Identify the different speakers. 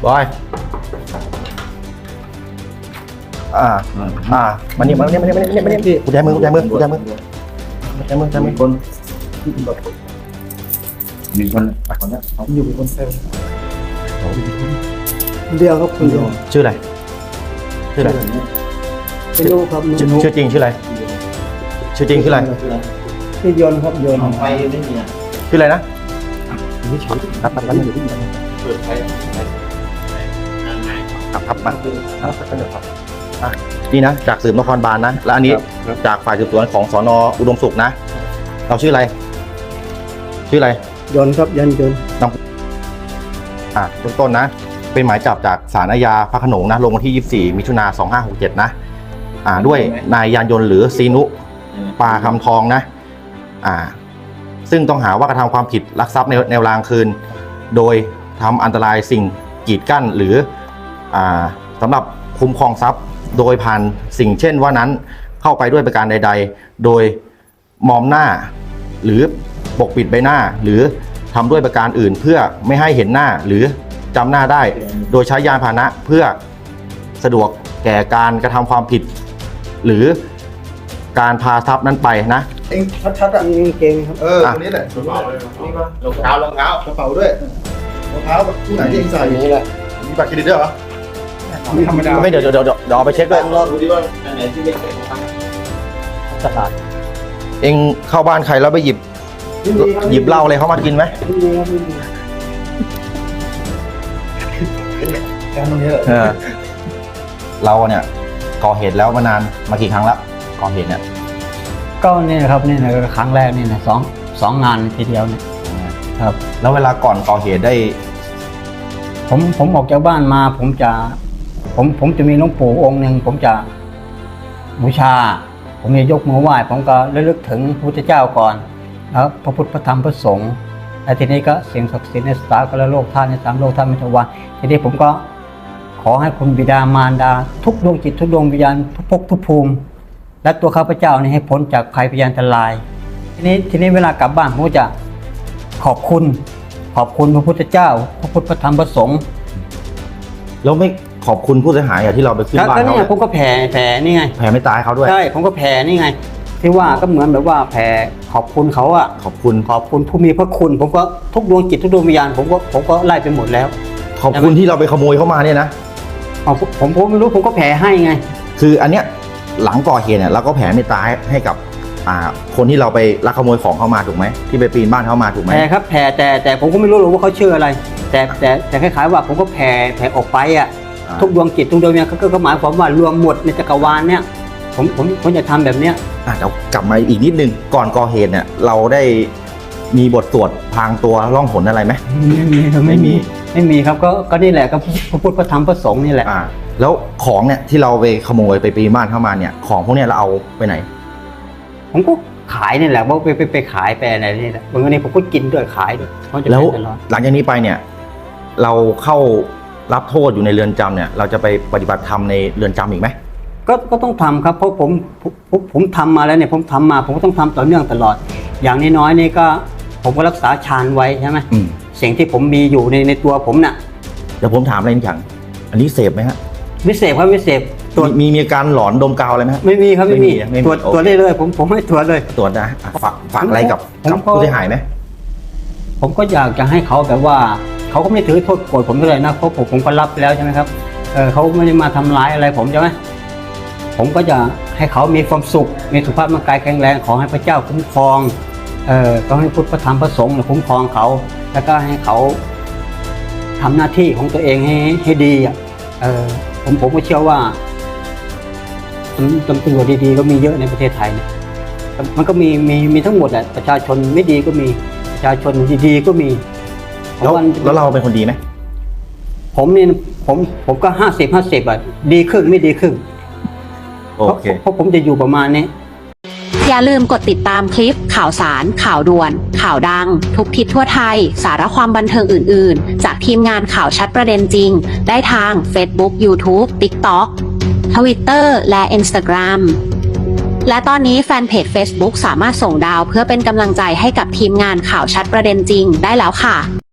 Speaker 1: บอยมันนี่กูใจมือคนมีคนคนนี้เขาอยู่เป็นคนเซลล์
Speaker 2: เดียวครับคนเดียว
Speaker 1: ชื่ออะไร
Speaker 2: ไม่รู้ครับ
Speaker 1: ชื่อจริงชื่ออะไรชื่อย
Speaker 2: นต์ครับยนต์
Speaker 3: ไฟไม่มี
Speaker 1: ชื่ออะไรนะนี่ชื่อครับเปิดไฟครับมานี่นะจากสืบนครบาลนะและอันนี้จากฝ่ายสืบสวนของสน.อุดมสุขนะเราชื่ออะไร
Speaker 2: ยนต์ครับยนต์
Speaker 1: เบื้องต้นนะเป็นหมายจับจากศาลอาญาพระโขนงนะลงวันที่24มิถุนายน2567นะด้วยนายยานยนต์หรือซีนุปาคำทองนะซึ่งต้องหาว่ากระทำความผิดลักทรัพย์ในแนวรางคืนโดยทำอันตรายสิ่งกีดกั้นหรือสำหรับคุ้มครองทรัพย์โดยผ่านสิ่งเช่นว่านั้นเข้าไปด้วยประการใดๆโดยมอมหน้าหรือปกปิดใบหน้าหรือทำด้วยประการอื่นเพื่อไม่ให้เห็นหน้าหรือจำหน้าได้โดยใช้ยานพาหนะเพื่อสะดวกแก่การกระทำความผิดหรือการพาทรัพย์นั้นไปนะ
Speaker 2: เองชัดๆมีเก่งครับ
Speaker 3: ตรงนี้แหละรองเท้ากระเป๋าด้วยรองเท้าที่ไหนที่เองใส่นี่แหละมีบัตรเครดิตด้วยเหรอ
Speaker 1: ธรรมดาไม่เดี๋ยวไปเช็คด้วย
Speaker 3: รอดูดิว่าไหนที่เองใส่
Speaker 1: ตลาดเองเข้าบ้านใครแล้วไปหยิบเหล้าอะไรเขามากินไหมเราเนี่ยก่อเหตุแล้วมานานมากี่ครั้งแล้วก่อเหตุเนี่ย
Speaker 2: ก็นี่นะครับนี่นะครั้งแรกนี่นะสองงานทีเดียวเนี่ยครับ
Speaker 1: แล้วเวลาก่อนก่อเหตุได้
Speaker 2: ผมออกจากบ้านมาผมจะมีหลวงปู่องค์หนึ่งผมจะบูชาผมจะยกมือไหว้ผมก็ระลึกถึงพระพุทธเจ้าก่อนแล้วพระพุทธพระธรรมพระสงฆ์และทีนี้ก็สิ่งศักดิ์สิทธิ์ในสากลโลกธาตุใน3โลกธาตุมิถวาทีนี้ผมก็ขอให้คุณบิดามารดาทุกดวงจิตทุกดวงวิญญาณทุกภพทุกภูมิและตัวข้าพเจ้านี่ให้พ้นจากภัยพยานอันตรายทีนี้เวลากลับบ้านผมก็จะขอบคุณพระพุทธเจ้าพระพุทธพระธรรมพระสงฆ์
Speaker 1: แล้วไม่ขอบคุณผู้เสียหายที่เราไปขึ้นบ้านเขา
Speaker 2: เนี่ยผมก็แผ่นี่ไง
Speaker 1: แผ่ไม่ตายเขาด้วย
Speaker 2: ใช่ผมก็แผ่นี่ไงที่ว่าก็เหมือนแบบว่าแผ่ขอบคุณเขาอะขอบคุณผู้มีพระคุณผมก็ทุกดวงจิตทุกดวงวิญญาณผมก็ไล่ไปหมดแล้ว
Speaker 1: ขอบคุณที่เราไปขโมยเข้ามาเนี่ยนะ
Speaker 2: ผมไม่รู้ผมก็แผ่ให้ไง
Speaker 1: คืออันเนี้ยหลังก่อเหตุเนี่ยเราก็แผ่เมตตาให้กับคนที่เราไปลักขโมยของเข้ามาถูกไหมที่ไปปีนบ้านเข้ามาถูกไหม
Speaker 2: แผ่ครับแผ่แต่ผมก็ไม่รู้หรอกว่าเขาชื่ออะไรแต่คล้ายๆว่าผมก็แผ่ออกไปอ่ะทุกดวงจิตทุกดวงวิญญาณก็หมายความว่ารวมหมดในจักรวาลเนี่ยผมจะทำแบบเนี้ย
Speaker 1: เดี๋ยวกลับมาอีกนิดนึงก่อนก่อเหตุเนี่ยเราได้มีบทสวดพรางตัวล่องหนอะไรไหม
Speaker 2: ไม่มีครับก็นี่แหละก็พระพุทธพระธรรมพระสงฆ์นี่แหละ
Speaker 1: แล้วของเนี่ยที่เราไปขโมยไปปีนบ้านเข้ามาเนี่ยของพวกเนี้ยเราเอาไปไหน
Speaker 2: ผมก็ขายนี่แหละว่าไปขายไปอะไรนี่แหละบางทีผมก็กินด้วยขายด้วย
Speaker 1: แล้วหลังจากนี้ไปเนี่ยเราเข้ารับโทษอยู่ในเรือนจำเนี่ยเราจะไปปฏิบัติธรรมในเรือนจำอีกไหม
Speaker 2: ก็ต้องทำครับเพราะผมทำมาแล้วเนี่ยผมทำมาผมก็ต้องทำต่อเนื่องตลอดอย่างน้อยๆนี่ก็ผมก็รักษาฌานไว้ใช่ไหมสิ่งที่ผมมีอยู่ในตัวผมน่ะ
Speaker 1: เดี๋ยวผมถามอะไรอย่างอันนี้เสพไหมฮะ
Speaker 2: ไม่เสพครับไม่เสพ
Speaker 1: มีอาการหลอนดมกาวอะไรไหม
Speaker 2: ไม่มีครับไม่มีตรวจได้เลยผมให้ตรวจเลย
Speaker 1: ตรวจนะฝากอะไรกับผู้เสียหายไหม
Speaker 2: ผมก็อยากจะให้เขาแบบว่าเขาก็ไม่ถือโทษโกรธผมเท่าไหร่นะเพราะผมก็รับแล้วใช่ไหมครับเขาไม่ได้มาทำร้ายอะไรผมใช่ไหมผมก็จะให้เขามีความสุขมีสุขภาพร่างกายแข็งแรงขอให้พระเจ้าคุ้มครองต้องให้พุทธพระธรรมพระสงฆ์คุ้มครองเขาแล้วก็ให้เขาทำหน้าที่ของตัวเองให้ดีผมก็เชื่อว่าตำรวจดีๆก็มีเยอะในประเทศไทยเนี่ยมันก็มีทั้งหมดแหละประชาชนไม่ดีก็มีประชาชนดีๆก็มี
Speaker 1: แล้วเราเป็นคนดีไหม
Speaker 2: ผมเนี่ยผมก็50-50อ่ะดีครึ่งไม่ดีครึ่งเพราะผมจะอยู่ประมาณนี้
Speaker 4: อย่าลืมกดติดตามคลิปข่าวสารข่าวด่วนข่าวดังทุกทิศทั่วไทยสาระความบันเทิงอื่นๆจากทีมงานข่าวชัดประเด็นจริงได้ทาง Facebook YouTube TikTok Twitter และ Instagram และตอนนี้แฟนเพจ Facebook สามารถส่งดาวเพื่อเป็นกำลังใจให้กับทีมงานข่าวชัดประเด็นจริงได้แล้วค่ะ